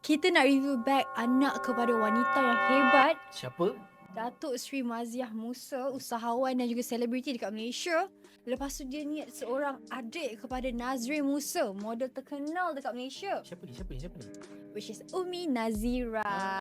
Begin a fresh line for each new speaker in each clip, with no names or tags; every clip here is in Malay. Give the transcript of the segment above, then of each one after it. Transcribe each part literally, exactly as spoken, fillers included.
kita nak review bag anak kepada wanita yang hebat,
Siapa?
Datuk Seri Maziah Musa, usahawan dan juga selebriti dekat Malaysia. Lepas tu dia ni seorang adik kepada Nazrin Musa, model terkenal dekat Malaysia,
Siapa ni? Siapa ni? Siapa ni?
which is Umi Nazira.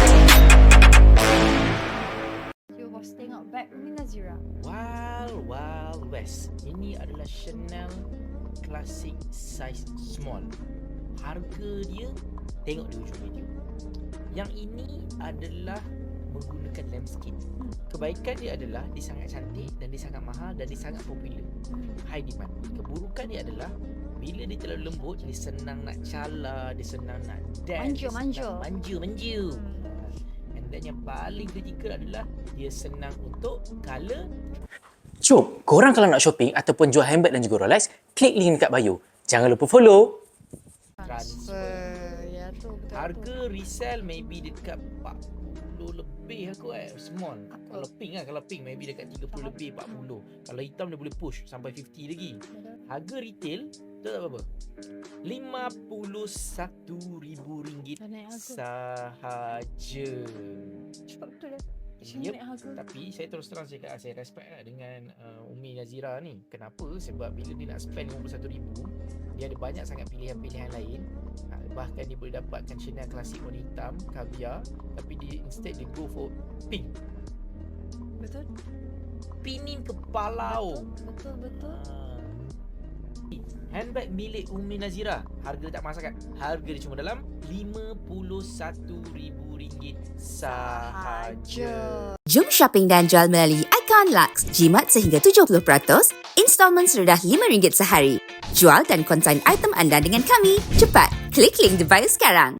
Cuba bos tengok bag Umi Nazira.
Wild Wild West. Ini adalah Chanel Classic Size Small. Harga dia, tengok di ujung video. Yang ini adalah menggunakan lambskin. Kebaikan dia adalah dia sangat cantik dan dia sangat mahal dan dia sangat popular. High demand. Keburukan dia adalah bila dia terlalu lembut, dia senang nak cala, dia senang nak dance,
Manja, manja.
manja, manja. And then yang paling kritikal adalah dia senang untuk color.
Jom, korang kalau nak shopping ataupun jual handbag dan juga Rolex, klik link dekat bio. Jangan lupa follow.
Transfer.
Ya tu betul.
Harga resell maybe dekat empat puluh lebih aku eh. Small. Kalau pink lah, kalau pink maybe dekat tiga puluh lebih, empat puluh. Kalau hitam dia boleh push sampai lima puluh lagi. Harga retail, tahu tak berapa? lima puluh satu ribu ringgit
Dah naik harga.
sahaja.
Cepat betul dah. Macam
Yep.
naik harga.
Tapi saya terus terang cakap, saya respect lah dengan uh, Umi Nazira ni. Kenapa? Sebab bila dia nak spend lima puluh satu ribu, dia ada banyak sangat pilihan-pilihan lain. uh, Bahkan dia boleh dapatkan Chanel klasik warna hitam, caviar. Tapi dia instead dia go for pink.
Betul.
Pinin kepala.
Betul, betul, betul.
uh, Handbag milik Umi Nazira, harga tak mahal sangat. Harga dia cuma dalam lima puluh satu ribu ringgit sahaja.
Jom shopping dan jual melalui Icon Lux. Jimat sehingga tujuh puluh peratus, installment serendah lima ringgit sehari. Jual dan konsign item anda dengan kami. Cepat, klik link di bio sekarang.